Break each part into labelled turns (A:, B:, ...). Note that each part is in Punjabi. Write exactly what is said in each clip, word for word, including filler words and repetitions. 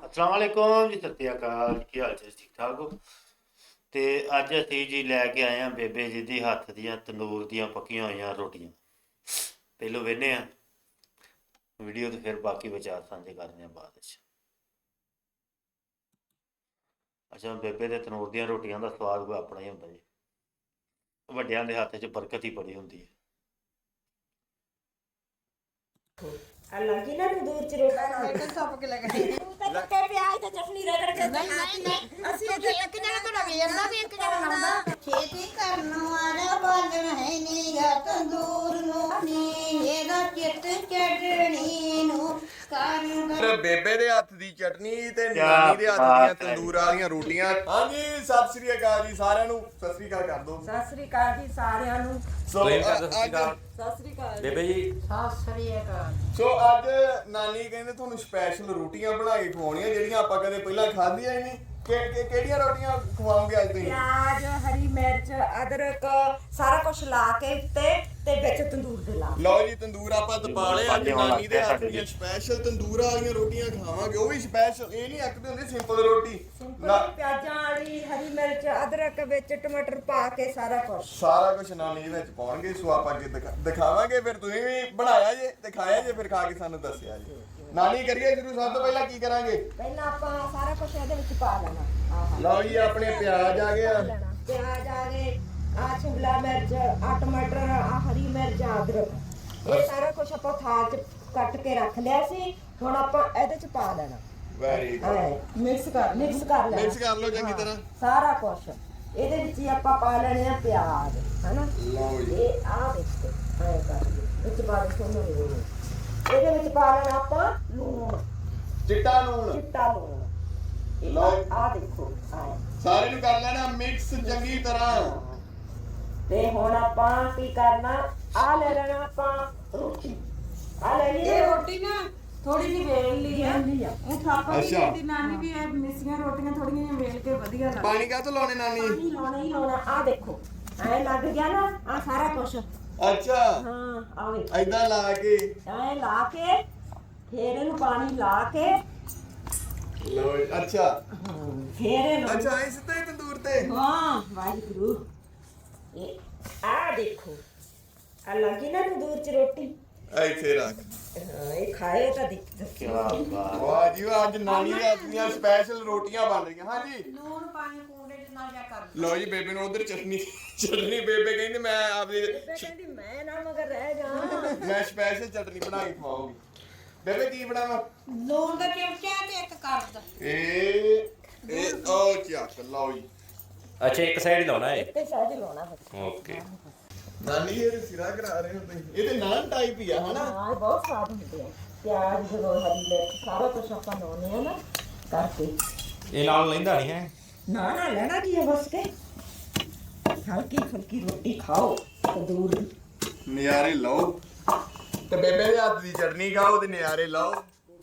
A: अस्सलाम वालेकुम जी, सत श्री अकाल। की हाल चाल? ठीक ठाक हो? ਤੇ ਅੱਜ ਅਸੀਂ ਜੀ ਲੈ ਕੇ ਆਏ ਹਾਂ ਬੇਬੇ ਜੀ ਦੀ ਹੱਥ ਦੀਆਂ ਤੰਦੂਰ ਦੀਆਂ ਪੱਕੀਆਂ ਹੋਈਆਂ ਰੋਟੀਆਂ। ਪਹਿਲੋਂ ਵੇਖਦੇ ਹਾਂ ਵੀਡੀਓ ਤੇ ਫਿਰ ਬਾਕੀ ਵਿਚਾਰ ਸਾਂਝੇ ਕਰਦੇ ਹਾਂ ਬਾਅਦ ਵਿੱਚ। ਅੱਛਾ, ਬੇਬੇ ਦੇ ਤੰਦੂਰ ਦੀਆਂ ਰੋਟੀਆਂ ਦਾ ਸਵਾਦ ਕੋਈ ਆਪਣਾ ਹੀ ਹੁੰਦਾ ਜੀ। ਵੱਡਿਆਂ ਦੇ ਹੱਥ 'ਚ ਬਰਕਤ ਹੀ ਬੜੀ ਹੁੰਦੀ ਹੈ।
B: हालांकि ना तंदूर च रोटी
C: ਇੱਕ ਸੱਪ ਕੇ ਲੱਗ ਗਈ
B: ਤੇ ਪਿਆਜ਼ ਤੇ ਚਟਨੀ ਰਗੜ ਕੇ
C: ਨਹੀਂ ਨਹੀਂ ਨਹੀਂ ਅਸੀਂ ਇੱਥੇ ਇੱਕ ਜਣਾ ਤੁਹਾਡਾ ਵੇਰਦਾ ਵੀ ਇੱਕ ਜਣਾ ਲਾਉਂਦਾ ਛੇਤੀ ਕਰਨ ਨੂੰ ਆ ਜਾ ਬਾਲਣ ਹੈ ਨੀ ਗਾ ਤੰਦੂਰ ਨੂੰ ਨੀ ਇਹਦਾ ਚਿੱਤ ਚੜਣੀ ਨੂੰ
D: ਤੇ ਬੇਬੇ ਦੇ ਹੱਥ ਦੀ ਚਟਨੀ ਤੇ ਨਾਨੀ ਦੇ ਹੱਥ ਦੀਆਂ ਤੰਦੂਰ ਵਾਲੀਆਂ ਰੋਟੀਆਂ। ਹਾਂਜੀ, ਸਤਿ ਸ੍ਰੀ ਅਕਾਲ ਜੀ ਸਾਰਿਆਂ ਨੂੰ। ਸਤਿ ਸ੍ਰੀ ਅਕਾਲ ਕਰ ਦੋ।
B: ਸਤਿ ਸ੍ਰੀ ਅਕਾਲ ਜੀ ਸਾਰਿਆਂ ਨੂੰ।
D: ਸੋ
A: ਪ੍ਰੇਮ ਕਰ
D: ਅੱਜ
A: ਸਤਿ ਸ਼੍ਰੀ ਅਕਾਲ
B: ਸਤਿ ਸ੍ਰੀ ਅਕਾਲ
A: ਬੇਬੇ ਜੀ।
C: ਸਤਿ ਸ੍ਰੀ ਅਕਾਲ।
D: ਸੋ ਅੱਜ ਨਾਨੀ ਕਹਿੰਦੇ ਤੁਹਾਨੂੰ ਸਪੈਸ਼ਲ ਰੋਟੀਆਂ ਬਣਾ ਕੇ ਖਵਾਉਣੀਆਂ ਜਿਹੜੀਆਂ ਆਪਾਂ ਕਦੇ ਪਹਿਲਾਂ ਖਾਧੀਆਂ ਹੀ ਨਹੀਂ। ਕਿ- ਕਿ- ਕਿਹੜੀਆਂ ਰੋਟੀਆਂ ਖਵਾਓਗੇ ਅੱਜ ਤੁਸੀਂ?
B: ਪਿਆਜ਼ ਹਰੀ ਮਿਰਚ ਅਦਰਕ ਸਾਰਾ ਕੁਝ ਲਾ ਕੇ ਉੱਤੇ ਤੇ ਵਿੱਚ ਤੰਦੂਰ ਦੇ ਲਾ।
D: ਲਓ ਜੀ, ਤੰਦੂਰ ਆਪਾਂ ਦਬਾ ਲਏ। ਅੱਜ ਨਾਨੀ ਦੇ ਹੱਥ ਦੀਆਂ ਸਪੈਸ਼ਲ ਤੰਦੂਰ ਵਾਲੀਆਂ ਰੋਟੀਆਂ ਖਾਵਾਂਗੇ। ਉਹ ਵੀ ਸਪੈਸ਼ਲ, ਇਹ ਨਹੀਂ ਅੱਕਦੇ ਹੁੰਦੇ ਸਿੰਪਲ ਰੋਟੀ।
B: ਸਿੰਪਲ ਪਿਆਜ਼ਾਂ ਵਾਲੀ ਹਰੀ ਮਿਰਚ ਅਦਰਕ ਵਿੱਚ ਟਮਾਟਰ ਪਾ ਕੇ ਸਾਰਾ ਕੁਝ
D: ਸਾਰਾ ਕੁਝ ਨਾਨੀ ਦੇ ਵਿੱਚ ਪਾਉਣਗੇ। ਸੋ ਆਪਾਂ ਅੱਗੇ ਦਿਖਾ- ਦਿਖਾਵਾਂਗੇ। ਫਿਰ ਤੁਸੀਂ ਵੀ ਬਣਾਇਆ ਜੇ ਤੇ ਖਾਇਆ ਜੇ, ਫਿਰ ਖਾ ਕੇ ਸਾਨੂੰ ਦੱਸਿਆ ਜੀ। ਨਾਨੀ ਕਰੀਏ ਸ਼ੁਰੂ। ਸਭ ਤੋਂ ਪਹਿਲਾਂ ਕੀ ਕਰਾਂਗੇ?
B: ਪਹਿਲਾਂ ਆਪਾਂ ਸਾਰਾ ਕੁਝ ਇਹਦੇ ਵਿੱਚ ਪਾ ਲੈਣਾ। ਆਹ
D: ਲਓ ਜੀ, ਆਪਣੇ ਪਿਆਜ਼ ਆ ਗਿਆ।
B: ਪਿਆਜ਼ ਆ ਗਏ, ਆ ਸ਼ਿਮਲਾ ਮਿਰਚ, ਆ ਟਮਾਟਰ, ਆ ਹਰੀ ਮਿਰਚ, ਆ ਅਦਰਕ। ਇਹ ਸਾਰਾ ਕੁਝ ਆਪਾਂ ਥਾਲ 'ਚ ਕੱਟ ਕੇ ਰੱਖ ਲਿਆ ਸੀ। ਹੁਣ ਆਪਾਂ ਇਹਦੇ 'ਚ ਪਾ ਲੈਣਾ।
D: Very good.
B: ਮਿਕਸ ਕਰ ਮਿਕਸ ਕਰ ਲੈਣਾ।
D: ਮਿਕਸ ਕਰ ਲਓ ਚੰਗੀ ਤਰ੍ਹਾਂ।
B: ਸਾਰਾ ਕੁਝ ਇਹਦੇ ਵਿੱਚ ਹੀ ਆਪਾਂ ਪਾ ਲੈਣੇ ਆ ਪਿਆਜ਼, ਹੈਨਾ।
D: ਲਓ ਜੀ,
B: ਇਹ ਆ ਦੇਖੋ ਐ ਕਰਕੇ ਵਿੱਚ ਪਾ ਦੇ ਸੋਨੂੰ। ਇਹਦੇ ਵਿੱਚ ਪਾ ਲੈਣਾ ਆਪਾਂ ਲੂਣ,
D: ਚਿੱਟਾ ਲੂਣ।
B: ਚਿੱਟਾ ਲੂਣ।
D: ਲਓ
B: ਆ ਦੇਖੋ ਆ।
D: ਸਾਰੇ ਨੂੰ ਕਰ ਲੈਣਾ ਮਿਕਸ ਚੰਗੀ ਤਰ੍ਹਾਂ।
B: ਤੇ ਹੁਣ ਆਪਾਂ ਕੀ ਕਰਨਾ? ਆ ਲੈ ਲੈਣਾ ਆਪਾਂ ਰੋਟੀ। ਆ ਲੈ ਲਈ
E: ਇਹ ਰੋਟੀ ਨਾ ਥੋੜੀ ਜਿਹੀ ਵੇਲ ਲਈ ਆ। ਉਹ ਥਾਪਾ ਵੀ
D: ਅੱਛਾ।
E: ਦੀ ਨਾਨੀ ਵੀ ਇਹ ਮਿਸੀਆਂ ਰੋਟੀਆਂ ਥੋੜੀਆਂ ਜਿਹੀਆਂ ਵੇਲ ਕੇ ਵਧੀਆ ਲੱਗਦਾ।
D: ਪਾਣੀ ਕਾਹ ਤੋਂ ਲਾਉਣੇ ਨਾਨੀ?
B: ਪਾਣੀ ਲਾਉਣਾ ਹੀ ਲਾਉਣਾ। ਆ ਦੇਖੋ ਐ ਲੱਗ ਗਿਆ ਨਾ ਆ ਸਾਰਾ ਕੁਝ।
D: ਅੱਛਾ,
B: ਹਾਂ ਆ ਵੇ
D: ਐਦਾਂ ਲਾ ਕੇ।
B: ਐ ਲਾ ਕੇ ਫੇਰ ਇਹਨੂੰ ਪਾਣੀ ਲਾ ਕੇ
D: ਲਓ ਜੀ, ਅੱਛਾ
B: ਫੇਰ ਇਹਨੂੰ
D: ਅੱਛਾ ਇਸ ਤੇ ਤੰਦੂਰ ਤੇ।
B: ਹਾਂ ਵਾਹਿਗੁਰੂ। ਇਹ ਆ ਦੇਖੋ ਆ ਲੱਗੀ ਨਾ ਤੰਦੂਰ 'ਚ ਰੋਟੀ।
D: ਇੱਥੇ ਰੱਖ।
B: ਹਾਂ, ਇਹ ਖਾਏ ਤਾਂ ਦੇਖ
A: ਕੀ ਬਾਤ।
D: ਵਾਹ ਜੀ ਵਾਹ, ਅੱਜ ਨਾਨੀ ਦੇ ਹੱਥ ਦੀਆਂ ਸਪੈਸ਼ਲ ਰੋਟੀਆਂ ਬਣ ਰਹੀਆਂ। ਹਾਂਜੀ
C: ਲੂਣ ਪਾਣੀ ਕੂੜੇ ਚ ਨਾ ਜਾ ਕਰ
D: ਲਓ ਜੀ, ਬੇਬੇ ਨੂੰ ਉਧਰ ਚਟਨੀ ਚਟਨੀ ਬੇਬੇ ਕਹਿੰਦੇ ਮੈਂ ਆਪਦੀ
B: ਕਹਿੰਦੀ ਮੈਂ ਨਾ ਮਗਰ ਰਹਿ ਜਾ।
D: ਮੈਂ ਸਪੈਸ਼ਲ ਚਟਨੀ ਬਣਾ ਕੇ ਖਵਾਉਂਗੀ। ਬੇਬੇ ਕੀ ਬਣਾਵਾਂ?
C: ਲੂਣ ਦਾ ਚਮਚਾ ਤੇ ਇੱਕ ਕਰਦ
D: ਇਹ ਇਹ ਉਹ ਚੱਕ ਲਓ ਜੀ।
A: ਅੱਛਾ, ਇੱਕ ਸਾਈਡ ਹੀ ਲਾਉਣਾ ਹੈ।
B: ਤੇ ਸਾਜ ਲਾਉਣਾ ਫਿਰ।
A: ਓਕੇ।
D: ਨਾਨੀ ਇਹ ਸਿਰਾ ਕਰਾ ਰਹੇ ਹੁੰਦੇ। ਇਹ ਤੇ ਨਾਨ ਟਾਈਪ ਹੀ ਆ ਹਨਾ।
B: ਹਾਂ, ਇਹ ਬਹੁਤ ਸਵਾਦ ਹੁੰਦੇ ਆ। ਪਿਆਜ਼ ਜਦੋਂ ਹਰੀ ਮਿਰਚ ਸਾਰਾ ਕੁਝ ਆਪਾਂ ਲਾਉਣੇ ਆ ਨਾ ਕਰਕੇ।
A: ਇਹ ਨਾਲ ਲੈਂਦਾ ਨਹੀਂ ਹੈ।
B: ਨਾ ਨਾ ਲੈਣਾ ਕੀ ਹੈ ਬਸ ਕੇ ਹਲਕੀ ਫੁਲਕੀ ਰੋਟੀ ਖਾਓ ਤੰਦੂਰ ਦੀ।
D: ਨਜ਼ਾਰੇ ਲਓ ਤੇ ਬੇਬੇ ਦੇ ਹੱਥ ਦੀ ਚਟਨੀ ਖਾਓ ਤੇ ਨਜ਼ਾਰੇ ਲਓ।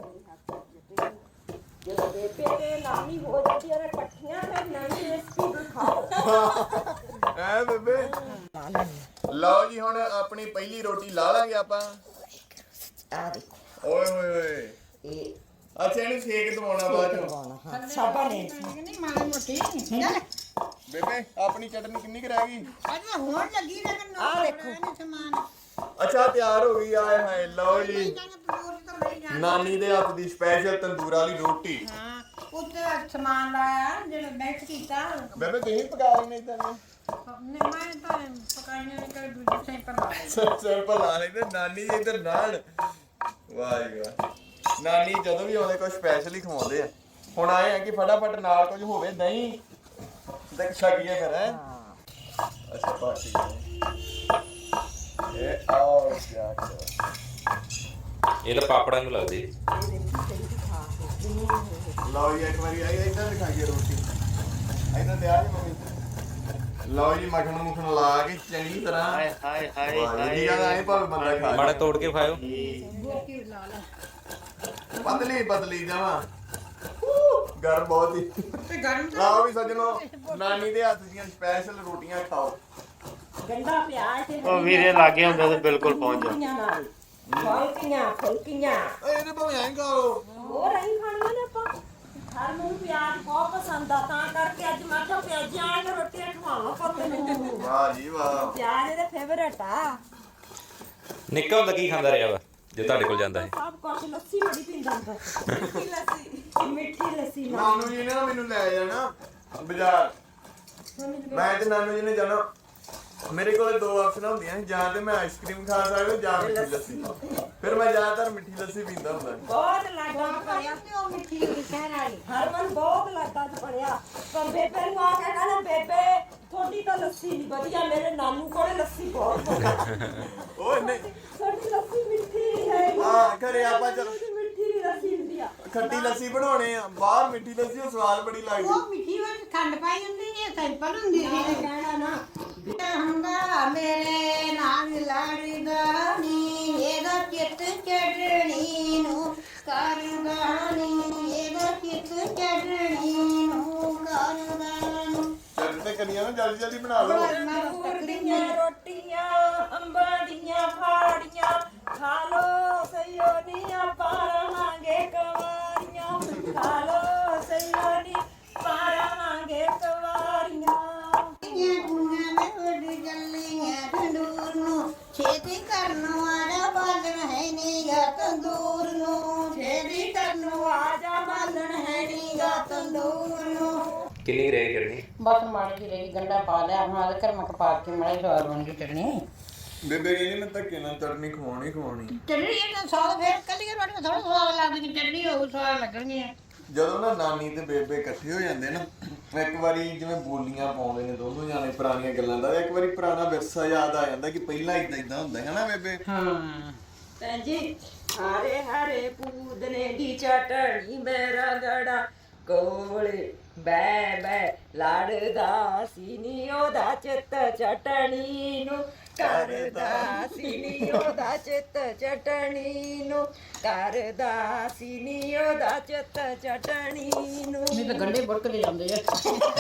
B: ਜਦੋਂ ਬੇਬੇ ਤੇ ਨਾਨੀ ਹੋ ਜਾਂਦੀ ਆ ਇਕੱਠੀਆਂ ਫਿਰ ਨਵੀਂ ਰੈਸਪੀ ਖਾਓ।
D: ਐ ਬੇਬੇ ਲਓ ਜੀ, ਹੁਣ ਆਪਣੀ ਪਹਿਲੀ ਰੋਟੀ ਲਾ ਲਾਂਗੇ ਆਪਾਂ।
B: ਆ ਦੇਖੋ
D: ਓਏ ਹੋਏ ਹੋਏ।
B: ਇਹ
D: ਅੱਛਾ, ਇਹਨੂੰ ਸੇਕ ਦਵਾਉਣਾ ਬਾਅਦ ਚੋਂ।
B: ਲਵਾਉਣਾ ਹਾਂ ਸਾਬਾ ਨੇ।
C: ਨਹੀਂ ਮਾੜੀ ਮੋਟੀ ਚੱਲ
D: ਬੇਬੇ ਆਪਣੀ ਚਟਨੀ ਕਿੰਨੀ ਕੁ ਰਹਿ ਗਈ?
C: ਅੱਜ ਮੈਂ ਹੋਣ ਲੱਗੀ ਨਾ ਮੈਨੂੰ
B: ਆਹ ਦੇਖੋ।
C: ਨਹੀਂ ਸਮਾਨ
D: ਅੱਛਾ, ਤਿਆਰ ਹੋ ਗਈ। ਆਏ ਹਾਏ ਲਓ ਜੀ,
C: ਜਾਣਾ ਤੰਦੂਰ ਚ ਤਾਂ ਲਈ ਜਾਣਾ।
D: ਨਾਨੀ ਦੇ ਹੱਥ ਦੀ ਸਪੈਸ਼ਲ ਤੰਦੂਰ ਵਾਲੀ ਰੋਟੀ।
C: ਹਾਂ ਉੱਤੇ ਸਮਾਨ ਲਾਇਆ ਜਿਹੜਾ ਮਿਕਸ ਕੀਤਾ।
D: ਬੇਬੇ ਤੁਸੀਂ ਪਕਾ ਲੈਣੇ ਇਦਾਂ ਨੇ?
C: ਨੇ ਮੈਂ ਤਾਂ ਪਕਾਈਆਂ ਨੇ ਕਰ ਦੂਜੀ ਸਿੰਪਲ ਲਾ ਲਈ।
D: ਸਿੰਪਲ ਆ ਲੈਂਦੇ। ਨਾਨੀ ਜੀ ਇੱਧਰ ਨਾਨ। ਵਾਹ ਜੀ ਵਾਹ, ਨਾਨੀ ਜਦੋਂ ਵੀ ਆਉਂਦੇ ਕੁਝ ਸਪੈਸ਼ਲ ਹੀ ਖਵਾਉਂਦੇ ਆ। ਹੁਣ ਆਏ ਆ ਕਿ ਫਟਾਫਟ ਨਾਲ ਕੁਝ ਹੋਵੇ ਦਹੀਂ ਤੇ ਛਕੀਏ ਫਿਰ। ਹੈ ਅੱਛਾ ਬਾਕੀ ਇਹ ਆਓ ਕਿਆ
A: ਇਹ ਤਾਂ ਪਾਪੜਾਂ ਨੂੰ ਲੱਗਦੀ।
D: ਲਓ ਜੀ, ਇੱਕ ਵਾਰੀ ਆਈ ਇੱਧਰ ਦਿਖਾਈਏ ਰੋਟੀ। ਇੱਧਰ ਤੇ ਆ ਜੀ ਮੰਮੀ। ਲਓ ਜੀ, ਮੱਖਣ ਮੁਖਣ ਲਾ ਕੇ ਚੰਗੀ ਤਰ੍ਹਾਂ।
A: ਹਾਏ ਹਾਏ ਹਾਏ
D: ਵਾਹ ਜੀ, ਗੱਲ ਆਏ ਭਾਵੇਂ ਬੰਦਾ ਖਾ
A: ਮਾੜਾ ਤੋੜ ਕੇ ਖਾਓ।
C: ਬੋਕੀ ਲਾ ਲਾ
D: ਪਤਲੀ ਪਤਲੀ ਜਾਵਾਂ ਗਰਮ ਬਹੁਤ ਹੀ।
C: ਤੇ ਗਰਮ ਤਾਂ
D: ਲਓ ਵੀ ਸੱਜਣੋ, ਨਾਨੀ ਦੇ ਹੱਥ ਦੀਆਂ ਸਪੈਸ਼ਲ ਰੋਟੀਆਂ ਖਾਓ।
B: ਗੰਡਾ ਪਿਆਜ਼ ਤੇ
A: ਉਹ ਵੀਰੇ ਲਾਗੇ ਹੁੰਦੇ ਤੇ ਬਿਲਕੁਲ ਪਹੁੰਚ ਜਾ।
B: ਨਾਲ ਫੁਲਕੀਆਂ ਫੁਲਕੀਆਂ
D: ਏ ਇਹਨੇ ਭਾਵੇਂ ਐਂ ਖਾਓ।
B: ਹੋਰ ਅਸੀਂ ਖਾਣੀਆਂ ਨੇ ਆਪਾਂ। ਖਾਂਦਾ ਤਾਂ ਕਰਕੇ ਅੱਜ ਮੈਂ ਕਿਹਾ ਪਿਆਜ਼ਾਂ ਵਾਲੀਆਂ ਰੋਟੀਆਂ ਖਵਾਵਾਂ ਪੁੱਤ ਨੂੰ
D: ਵਾਹ ਜੀ ਵਾਹ।
B: ਪਿਆਜ਼ ਇਹਦੇ ਫੇਵਰੇਟ ਆ
F: ਨਿੱਕਾ ਹੁੰਦਾ ਕੀ ਖਾਂਦਾ ਰਿਹਾ ਵਾ ਜੇ ਤੁਹਾਡੇ ਕੋਲ ਜਾਂਦਾ ਹੈ?
B: ਸਭ ਕੁਛ ਲੱਸੀ ਬੜੀ ਪੀਂਦਾ ਹੁੰਦਾ ਸੀ। ਮਿੱਠੀ ਲੱਸੀ ਮਿੱਠੀ ਲੱਸੀ ਨਾਲ
D: ਨਾਨੂ ਜੀ ਨੇ ਨਾ ਮੈਨੂੰ ਲੈ ਜਾਣਾ ਬਾਜ਼ਾਰ। ਮੈਂ ਤੇ ਨਾਨੂ ਜੀ ਨੇ ਜਾਣਾ। ਮੇਰੇ ਕੋਲ ਦੋ ਆਪਸ਼ਨ ਹੁੰਦੀਆਂ ਸੀ, ਜਾਂ ਤੇ ਮੈਂ ਆਈਸਕ੍ਰੀਮ ਖਾ ਸਕਦਾ ਜਾਂ ਮਿੱਠੀ ਲੱਸੀ। ਫਿਰ ਮੈਂ ਜ਼ਿਆਦਾਤਰ ਮਿੱਠੀ ਲੱਸੀ ਪੀਂਦਾ ਹੁੰਦਾ ਸੀ।
B: ਬਹੁਤ ਲਾਡਾ ਚ ਪੜਿਆ
C: ਉਹ ਮਿੱਠੀ ਹੋਈ ਕਹਿਣ ਵਾਲੀ
B: ਹਰਮਨ ਬਹੁਤ ਲਾਡਾ ਚ ਪੜਿਆ ਪਰ ਬੇਬੇ ਨੂੰ ਆ ਕੇ ਕਹਿੰਦਾ ਬੇਬੇ ਤੁਹਾਡੀ ਤਾਂ ਲੱਸੀ ਨਹੀਂ ਵਧੀਆ ਮੇਰੇ ਨਾਨੂ ਕੋਲੇ ਲੱਸੀ ਬਹੁਤ ਵਧੀਆ
D: ਓਏ ਨਹੀਂ
B: ਤੁਹਾਡੀ ਲੱਸੀ ਮਿੱਠੀ ਨਹੀਂ ਹੈ
D: ਹਾਂ, ਘਰੇ ਆਪਾਂ ਚਲੋ-
B: ਮਿੱਠੀ ਨਹੀਂ ਲੱਸੀ ਹੁੰਦੀ ਆ
D: ਖੱਟੀ ਲੱਸੀ ਬਣਾਉਣੇ ਆ, ਬਾਹਰ ਮਿੱਠੀ ਲੱਸੀ ਉਹ ਸਵਾਦ ਬੜੀ ਲੱਗਦੀ।
C: ਉਹ ਮਿੱਠੀ ਵਿੱਚ ਖੰਡ ਪਾਈ ਹੁੰਦੀ ਹੈ ਸਿੰਪਲ ਹੁੰਦੀ ਸੀ
B: ਕਹਿਣਾ ਨਾ
C: ਹੁੰਦਾ ਮੇਰੇ ਨਾਲ ਲੜਦਾ ਨੀ ਇਹਦਾ ਚਿੱਤ ਚੜਣੀ ਨੂੰ ਕਰਦਾ ਨੀ ਇਹਦਾ ਚਿੱਤ ਚੜਣੀ ਨੂੰ ਕਰਦਾ ਨੀ
D: ਜਦ ਤੇ ਕਰੀਆਂ ਨਾ ਜਲਦੀ ਜਲਦੀ ਬਣਾ ਲਓ।
B: ਅੰਗੂਰ ਦੀਆਂ ਰੋਟੀਆਂ ਅੰਬਾਂ ਦੀਆਂ ਫਾੜੀਆਂ ਖਾ ਲੋ ਸਈਓ ਨੀ ਆਪਾਂ ਰਹਾਂਗੇ ਕਵਾਰੀਆਂ ਖਾ ਲੋ ਸਈਓ ਨੀ ਆਪਾਂ ਰਹਾਂਗੇ ਕਵਾਰੀਆਂ
C: ਇਹ ਦੁਨੀਆ ਮੈਂ ਉੱਡ ਚੱਲੀਆਂ ਤੰਦੂਰ ਨੂੰ ਛੇਤੀ ਕਰਨ ਵਾਲਾ ਬਾਲਣ ਹੈ ਨੀਗਾ ਤੰਦੂਰ ਨੂੰ ਛੇਤੀ ਕਰਨ ਵਾਲਾ ਬਾਲਣ ਹੈ ਨੀਗਾ ਤੰਦੂਰ ਨੂੰ
F: ਕਿੰਨੀ ਰਹਿ ਕਰਨੀ?
C: ਬਸ ਮਾੜੀ ਜਿਹੀ ਰਹੀ ਗੰਡਾ ਪਾ ਲਿਆ ਹੁਣ ਆਦੇ ਘਰ ਮਕ ਪਾ ਕੇ ਮਾੜੀ ਸਵਾਦ ਬਣ ਗਈ ਚਟਣੀ
D: ਬੇਬੇ ਕਹਿੰਦੀ ਮੈਂ ਧੱਕੇ ਨਾਲ ਚਟਨੀ ਖਵਾਉਣੀ ਖਵਾਉਣੀ।
C: ਚਟਣੀ ਇਹ ਤਾਂ ਸਵਾਦ ਫੇਰ ਕੱਲੀਆਂ ਰੋਟੀਆਂ ਥੋੜਾ ਸਵਾਦ ਲੱਗਦੀ ਚਟਣੀ ਹੋਊ ਸਵਾਦ ਲੱਗਣਗੀ
D: ਜਦੋਂ ਨਾ ਨਾਨੀ ਤੇ ਬੇਬੇ ਇਕੱਠੇ ਹੋ ਜਾਂਦੇ ਨਾ, ਇੱਕ ਵਾਰੀ ਜਿਵੇਂ ਬੋਲੀਆਂ ਪਾਉਂਦੇ ਨੇ ਦੋਨੋਂ ਜਾਣੇ ਪੁਰਾਣੀਆਂ ਗੱਲਾਂ ਦਾ, ਇੱਕ ਵਾਰੀ ਪੁਰਾਣਾ ਵਿਰਸਾ ਯਾਦ ਆ ਜਾਂਦਾ ਕਿ ਪਹਿਲਾਂ ਇਦਾਂ ਇਦਾਂ ਹੁੰਦਾ ਹੈ ਨਾ ਬੇਬੇ।
C: ਹਾਂ
B: ਭੈਣ ਜੀ ਹਰੇ ਹਰੇ ਪੂਦਨੇ ਦੀ ਚਟਣੀ ਮੇਰਾ ਗੜਾ ਕੋਲੇ ਬੈ ਬੈ ਲੜਦਾ ਸੀ ਨੀ ਉਹਦਾ ਚਿੱਤ ਚਟਣੀ ਨੂੰ ਕਰਦਾ ਸੀ ਨੀ ਉਹਦਾ ਚਿੱਤ ਚਟਣੀ ਨੂੰ ਕਰਦਾ ਸੀ ਨੀ ਉਹਦਾ ਚਿੱਤ ਚਟਣੀ ਨੂੰ
C: ਨਹੀਂ ਤਾਂ ਗੰਡੇ ਬੁੜਕਦੇ ਜਾਂਦੇ ਆ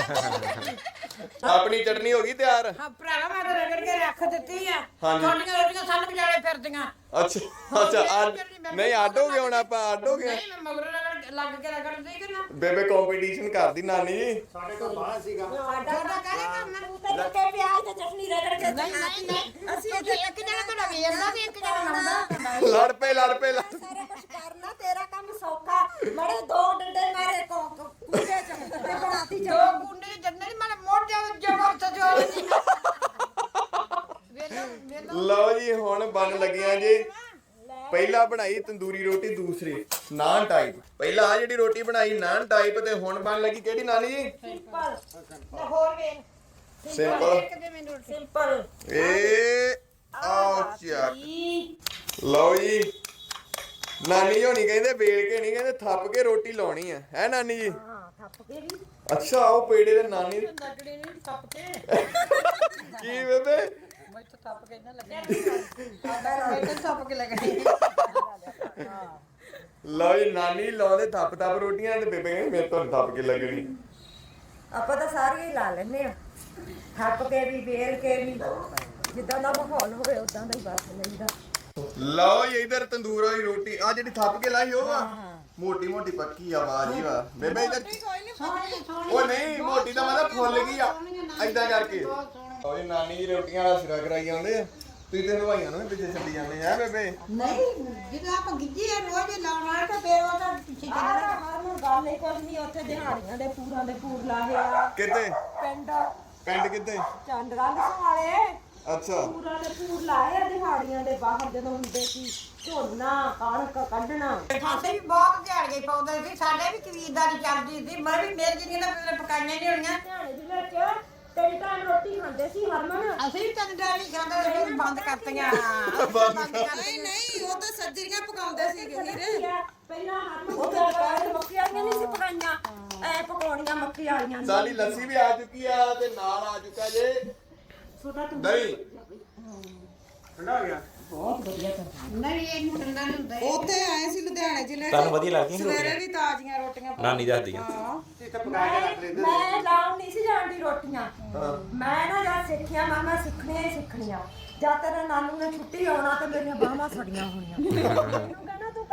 D: ਆਪਣੀ ਚਟਨੀ ਹੋ ਗਈ ਤਿਆਰ?
C: ਹਾਂ ਭਰਾਵਾ ਮੈਂ ਤਾਂ ਰਗੜ ਕੇ ਰੱਖ ਦਿੱਤੀ ਆ
D: ਹਾਂਜੀ।
C: ਤੁਹਾਡੀਆਂ ਰੋਟੀਆਂ ਸਾਨੂੰ ਵਿਚਾਲੇ ਫਿਰਦੀਆਂ
D: ਅੱਛਾ ਅੱਛਾ ਅੱਡ ਨਹੀਂ ਅੱਡ ਹੋ ਗਏ ਹੁਣ ਆਪਾਂ ਅੱਡ ਹੋ ਗਏ।
C: ਨਹੀਂ ਮੈਂ ਮਗਰ ਰਗੜ ਲੱਗ ਕੇ ਰਗੜਦੀ ਕਿ ਨਾ
D: ਬੇਬੇ ਕੰਪੀਟੀਸ਼ਨ ਕਰਦੀ ਨਾਨੀ ਜੀ।
B: ਤੁਹਾਡਾ
C: ਕਾਹਦੇ ਕਰਨਾ
B: ਤੂੰ ਤਾਂ ਕੇ ਪਿਆਜ਼ ਤੇ ਚਟਨੀ ਰਗੜ ਕੇ
C: ਨਹੀਂ ਨਹੀਂ ਨਹੀਂ ਅਸੀਂ ਇੱਥੇ ਇੱਕ ਜਣਾ ਤੁਹਾਡਾ ਵੇਰਦਾ ਤੇ ਇੱਕ ਜਣਾ ਲਾਉਂਦਾ
D: ਲੜ ਪਏ ਲੜ ਪਏ ਲੜ
B: ਸਾਰਾ ਕੁਝ ਕਰਨਾ ਤੇਰਾ ਕੰਮ ਸੌਖਾ ਮੜੇ ਦੋ ਡੰਡੇ ਮਾਰੇ ਕੋ ਕੂੜੇ ਚ ਤੇ ਬਣਾਤੀ
C: ਦੋ
B: ਚਲੋ
C: ਗੁੰਡੇ ਦੇ ਜੰਨੇ ਮਾਰੇ ਮੋੜ ਜਾ ਜ਼ਬਰਦਸਤ ਜੋ ਵੇਲਾ ਵੇਲਾ
D: ਲਓ ਜੀ ਹੁਣ ਬਣ ਲੱਗੀਆਂ ਜੀ। ਪਹਿਲਾਂ ਬਣਾਈ ਤੰਦੂਰੀ ਰੋਟੀ, ਦੂਸਰੀ ਨਾਨ ਟਾਈਪ। ਪਹਿਲਾਂ ਆ ਜਿਹੜੀ ਰੋਟੀ ਬਣਾਈ ਨਾਨ ਟਾਈਪ, ਤੇ ਹੁਣ ਬਣ ਲੱਗੀ ਕਿਹੜੀ ਨਾਨੀ ਜੀ?
B: ਸਿੰਪਲ ਹੋਰ ਵੇਲ
D: ਸਿੰਪਲ।
C: ਕਦੇ ਮੈਨੂੰ
B: ਸਿੰਪਲ
D: ਏ ਆਓ ਚੱਕ। ਲਓ ਜੀ ਨਾਨੀ ਹੋਣੀ ਕਹਿੰਦੇ ਵੇਲ ਕੇ ਨਹੀਂ, ਕਹਿੰਦੇ ਥੱਪ ਕੇ ਰੋਟੀ ਲਾਉਣੀ ਆ, ਹੈ ਨਾਨੀ ਜੀ?
B: ਹਾਂ ਥੱਪ ਕੇ ਵੀ
D: ਅੱਛਾ ਉਹ ਪੇੜੇ ਦੇ ਨਾਨੀ
C: ਨਗੜੀ ਨਹੀਂ ਥੱਪ ਕੇ
D: ਕੀ ਬੇਬੇ?
C: ਮੈਂ ਤਾਂ ਥੱਪ ਕੇ ਨਾ ਲੱਗਣੀ ਮੈਂ ਤਾਂ ਥੱਪ ਕੇ ਲੱਗਣੀ
D: ਲਓ ਜੀ ਨਾਨੀ ਲਾਉਂਦੇ ਥੱਪ ਥੱਪ ਰੋਟੀਆਂ, ਤੇ ਬੇਬੇ ਕਹਿੰਦੇ ਮੇਰੇ ਤੋਂ ਨੀ ਥੱਪ ਕੇ ਲੱਗਣੀ।
B: ਆਪਾਂ ਤਾਂ ਸਾਰੀਆਂ ਹੀ ਲਾ ਲੈਨੇ ਆ ਥੱਪ ਕੇ ਵੀ ਵੇਲ ਕੇ ਵੀ ਜਿੱਦਾਂ ਦਾ ਮਾਹੌਲ ਹੋਵੇ ਉਦਾਂ ਦਾ ਹੀ ਬਸ ਲਈਦਾ।
D: ਲਓ ਜੀ ਇਧਰ ਤੰਦੂਰ ਵਾਲੀ ਰੋਟੀ ਆ ਜਿਹੜੀ ਥੱਪ ਕੇ ਲਾਈ ਉਹ ਆ ਮੋਟੀ ਮੋਟੀ ਪੱਕੀ ਆ, ਵਾਹ ਜੀ ਵਾਹ। ਬੇਬੇ ਇਧਰ ਉਹ ਨਹੀਂ ਮੋਟੀ ਦਾ ਮਤਲਬ ਫੁੱਲ ਗਈ ਆ ਏਦਾਂ ਕਰਕੇ। ਲਓ ਜੀ ਨਾਨੀ ਜੀ ਰੋਟੀਆਂ ਵਾਲਾ ਸਿਰਾ ਕਰਾਈ ਜਾਂਦੇ ਆ, ਤੁਸੀਂ ਤੇ ਹਲਵਾਈਆਂ ਨੂੰ ਵੀ ਪਿੱਛੇ ਛੱਡੀ ਜਾਂਦੇ ਆ ਬੇਬੇ।
C: ਨਹੀਂ ਜਦੋਂ ਆਪਾਂ ਗਿੱਜੀ ਆ ਰੋਜ਼ ਲਾਉਣਾ ਤਾਂ ਫੇਰ ਉਹ ਤਾਂ ਪਿੱਛੇ
B: ਆਹ ਹਰ ਨੂੰ ਗੱਲ ਹੀ ਕੁਝ ਨਹੀਂ ਉੱਥੇ ਦਿਹਾੜੀਆਂ ਦੇ ਪੂਰਾਂ ਦੇ ਪੂਰ ਲਾਹੇ ਆ
D: ਕਿੱਥੇ
B: ਪਿੰਡ
D: ਪਿੰਡ ਕਿੱਥੇ?
B: ਚੰਦ ਰੰਗ ਵਾਲੇ
D: ਅੱਛਾ
B: ਪੂਰਾਂ ਦੇ ਪੂਰ ਲਾਏ ਆ ਦਿਹਾੜੀਆਂ ਦੇ ਬਾਹਰ ਜਦੋਂ ਹੁੰਦੇ ਸੀ ਝੋਨਾ ਕਣਕ ਕੱਢਣਾ
C: ਸਾਡੇ ਵੀ ਬਹੁਤ ਦਿਹਾੜੀਏ ਪਾਉਂਦੇ ਸੀ ਸਾਡੇ ਵੀ ਖਰੀਦਦਾਰੀ ਚੱਲਦੀ ਸੀ ਮੈਂ ਵੀ ਮੇਰੇ ਜਿਹੀਆਂ ਤਾਂ ਪਹਿਲਾਂ ਪਕਾਈਆਂ ਨਹੀਂ ਹੋਣੀਆਂ
B: ਦਿਹਾੜੇ ਦੇ ਵਿੱਚ ਤਿੰਨ ਟਾਈਮ ਰੋਟੀ ਖਾਂਦੇ ਸੀ ਹਰਮਨ
C: ਅਸੀਂ ਵੀ ਤਿੰਨ ਟਾਈਮ ਹੀ ਖਾਂਦੇ ਸੀ ਅਸੀਂ ਬੰਦ ਕਰਤੀਆਂ ਬੰਦ ਕਰਤੀਆਂ
E: ਨਹੀਂ ਉਹ ਤਾਂ ਸੱਜਰੀਆਂ ਪਕਾਉਂਦੇ ਸੀਗੇ ਵੀਰੇ
B: ਪਹਿਲਾਂ ਹਰਮਨ ਉਹ ਤਾਂ ਮੱਕੀਆਂ ਨਹੀਂ ਸੀ ਪਕਾਈਆਂ ਐ ਪਕਾਉਣੀਆਂ ਮੱਕੀ ਵਾਲੀਆਂ
D: ਸਾਡੀ ਲੱਸੀ ਵੀ ਆ ਚੁੱਕੀ ਆ ਤੇ ਨਾਲ ਆ ਚੁੱਕਾ ਜੇ
B: ਸੋਡਾ ਤੂੰ
D: ਦਹੀਂ। ਠੰਡਾ ਹੋ ਗਿਆ।
C: ਨਹੀਂ ਇਹ ਠੰਡਾ ਨਹੀਂ ਹੁੰਦਾ
E: ਉੱਥੇ ਆਏ ਸੀ ਲੁਧਿਆਣੇ ਜ਼ਿਲ੍ਹੇ
F: ਤੁਹਾਨੂੰ ਵਧੀਆ ਲੱਗਦੀਆਂ
E: ਸਵੇਰੇ
F: ਰੋਟੀਆਂ?
E: ਵੀ ਤਾਜ਼ੀਆਂ ਰੋਟੀਆਂ
F: ਨਾਨੀ ਦੱਸਦੀ ਆ।
E: ਹਾਂ
B: ਮੈਂ ਮੈਂ ਲਾਉਣ ਨਹੀਂ ਸੀ ਜਾਂਦੀ ਰੋਟੀਆਂ ਮੈਂ ਨਾ ਜਦ ਸਿੱਖਿਆ ਮੈਂ ਮੈਂ ਸਿੱਖਣੀਆਂ ਹੀ ਸਿੱਖਣੀਆਂ ਜਦ ਤੇਰੇ ਨਾਨੂ ਨੇ ਛੁੱਟੀ ਆਉਣਾ ਤੇ ਮੇਰੀਆਂ ਬਾਹਾਂ ਸੜੀਆਂ ਹੋਣੀਆਂ ਮੈਨੂੰ ਕਹਿੰਦਾ ਤੂੰ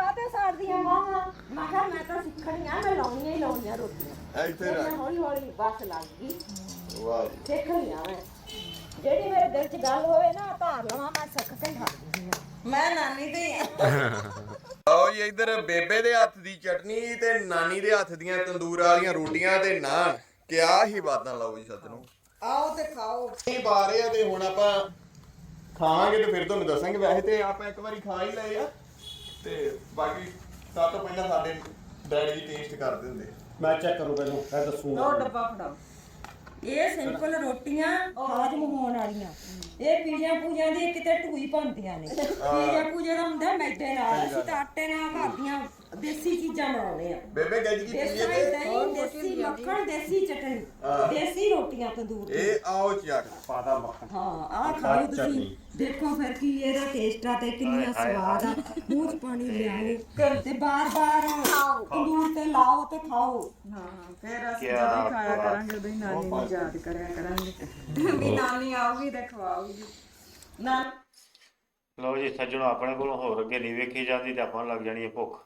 B: ਕਾਹਤੇ ਸਾੜਦੀਆਂ ਵਾਹਾਂ ਮੈਂ ਕਿਹਾ ਮੈਂ ਤਾਂ ਸਿੱਖਣੀਆਂ ਮੈਂ ਲਾਉਣੀਆਂ ਹੀ ਲਾਉਣੀਆਂ ਰੋਟੀਆਂ
D: ਇੱਥੇ
B: ਫਿਰ
D: ਰੱਖ।
B: ਮੈਂ ਹੌਲੀ ਹੌਲੀ ਬਸ ਲੱਗ ਗਈ
D: ਵਾਹ ਜੀ।
B: ਸਿੱਖ ਲਿਆ ਮੈਂ ਜਿਹੜੀ ਮੇਰੇ ਦਿਲ 'ਚ ਗੱਲ ਹੋਵੇ ਨਾ ਧਾਰ ਲਵਾਂ ਮੈਂ ਸਿੱਖ ਕੇ ਹੀ ਹਟਦੀ ਹਾਂ
E: ਮੈਂ ਨਾਨੀ ਤੇ ਆ
D: ਆਓ ਜੀ ਇੱਧਰ ਬੇਬੇ ਦੇ ਹੱਥ ਦੀ ਚਟਨੀ ਤੇ ਨਾਨੀ ਦੇ ਹੱਥ ਦੀਆਂ ਤੰਦੂਰ ਵਾਲੀਆਂ ਰੋਟੀਆਂ ਤੇ ਨਾਨ ਕਿਆ ਹੀ ਬਾਤਾਂ ਲਾਓ ਜੀ ਸੱਤ ਨੂੰ
E: ਆਓ ਤੇ ਖਾਓ
D: ਨਹੀਂ ਪਾ ਰਹੇ ਆ ਤੇ ਹੁਣ ਆਪਾਂ ਖਾਵਾਂਗੇ ਤੇ ਫਿਰ ਤੁਹਾਨੂੰ ਦੱਸਾਂਗੇ ਵੈਸੇ ਤੇ ਆਪਾਂ ਇੱਕ ਵਾਰੀ ਖਾ ਹੀ ਲਏ ਆ ਤੇ ਬਾਕੀ ਸਭ ਤੋਂ ਪਹਿਲਾਂ ਸਾਡੇ ਡੈਡੀ ਜੀ ਟੇਸਟ ਕਰਦੇ ਹੁੰਦੇ
A: ਮੈਂ ਚੈੱਕ ਕਰੂੰ ਪਹਿਲਾਂ ਫਿਰ ਦੱਸੂਗਾ
E: ਉਹ ਡੱਬਾ ਫੜਾਓ
B: ਇਹ ਸਿੰਪਲ ਰੋਟੀਆਂ ਹਾਜ਼ਮ ਹੋਣ ਵਾਲੀਆਂ ਇਹ ਪੀਜ਼ਾ ਪੂਜਾ ਦੀ ਕਿਤੇ ਢੂਈ ਬਣਦੀਆਂ ਨੇ ਪੀਜ਼ਾ ਪੂਜਾ ਦਾ ਹੁੰਦਾ ਮੈਦੇ ਨਾਲ ਅਸੀਂ ਤਾਂ ਆਟੇ ਨਾਲ ਘਰ ਦੀਆਂ ਦੇਸੀ ਚੀਜ਼ਾਂ ਬਣਾਉਂਦੇ ਆ
D: ਬੇਬੇ ਗੱਜ ਕੀ ਪੀਏ
B: ਦੇਸੀ
D: ਤੇ
B: ਦਹੀਂ ਦੇਸੀ ਮੱਖਣ ਦੇਸੀ ਚਟਨੀ ਦੇਸੀ ਰੋਟੀਆਂ ਤੰਦੂਰ ਦੀ
D: ਇਹ ਆਓ ਚੱਕ
A: ਪਾਦਾ ਮੱਖਣ
B: ਹਾਂ ਆਹ ਖਾਓ ਤੁਸੀਂ ਦੇਖੋ ਫਿਰ ਕੀ ਇਹਦਾ ਟੇਸਟ ਆ ਤੇ ਕਿੰਨਾ ਸਵਾਦ ਆ ਮੂੰਹ 'ਚ ਪਾਣੀ ਲਿਆਓ ਤੇ ਬਾਰ-ਬਾਰ ਤੰਦੂਰ ਤੇ ਲਾਓ ਤੇ ਖਾਓ
E: ਹਾਂ ਫਿਰ ਅਸੀਂ
A: ਕਿਆ
E: ਜਦੋਂ ਖਾਇਆ
A: ਬਾਤ।
E: ਕਰਾਂਗੇ ਉਦੋਂ ਹੀ ਨਾਨੀ ਨੂੰ ਯਾਦ ਕਰਿਆ ਕਰਾਂਗੇ ਵੀ ਨਾਨੀ ਆਊਗੀ ਤੇ ਖਵਾਊਗੀ ਨਾ
A: ਲਓ ਜੀ ਸੱਜਣੋ ਆਪਣੇ ਕੋਲੋਂ ਹੋਰ ਅੱਗੇ ਨਹੀਂ ਵੇਖੀ ਜਾਂਦੀ ਤੇ ਆਪਾਂ ਨੂੰ ਲੱਗ ਜਾਣੀ ਹੈ ਭੁੱਖ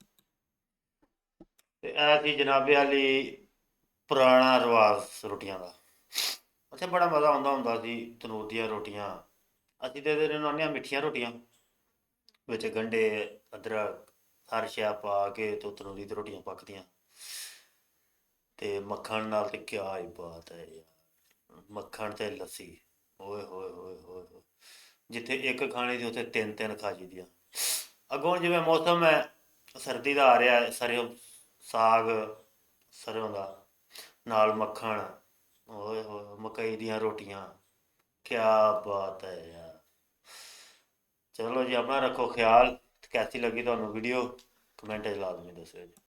A: ਤੇ ਇਹ ਸੀ ਜਨਾਬੇ ਵਾਲੀ ਪੁਰਾਣਾ ਰਿਵਾਜ਼ ਰੋਟੀਆਂ ਦਾ ਅੱਛਾ ਬੜਾ ਮਜ਼ਾ ਆਉਂਦਾ ਹੁੰਦਾ ਸੀ ਤੰਦੂਰ ਦੀਆਂ ਰੋਟੀਆਂ ਅਸੀਂ ਤੇ ਇਹਦੇ ਨਾਲ ਆਉਂਦੇ ਮਿੱਠੀਆਂ ਰੋਟੀਆਂ ਵਿੱਚ ਗੰਢੇ ਅਦਰਕ ਹਰ ਸ਼ੈ ਪਾ ਕੇ ਤੇ ਤੰਦੂਰੀ ਦੀ ਰੋਟੀਆਂ ਪੱਕਦੀਆਂ ਤੇ ਮੱਖਣ ਨਾਲ ਤੇ ਕਿਆ ਹੀ ਬਾਤ ਹੈ ਯਾਰ ਮੱਖਣ ਤੇ ਲੱਸੀ ਓਏ ਹੋਏ ਹੋਏ ਹੋਏ ਹੋਏ ਜਿੱਥੇ ਇੱਕ ਖਾਣੀ ਸੀ ਉੱਥੇ ਤਿੰਨ ਤਿੰਨ ਖਾ ਜੀਦੀਆਂ ਅੱਗੋਂ ਜਿਵੇਂ ਮੌਸਮ ਹੈ ਸਰਦੀ ਦਾ ਆ ਰਿਹਾ ਸਰੋਂ ਸਾਗ ਸਰੋਂ ਦਾ ਨਾਲ ਮੱਖਣ ਓਏ ਹੋਏ ਮਕਈ ਦੀਆਂ ਰੋਟੀਆਂ ਕਿਆ ਬਾਤ ਹੈ ਯਾਰ ਚਲੋ ਜੀ ਆਪਣਾ ਰੱਖੋ ਖਿਆਲ ਕੈਸੀ ਲੱਗੀ ਤੁਹਾਨੂੰ ਵੀਡੀਓ ਕਮੈਂਟ 'ਚ ਲਾਜ਼ਮੀ ਦੱਸਿਓ ਜੀ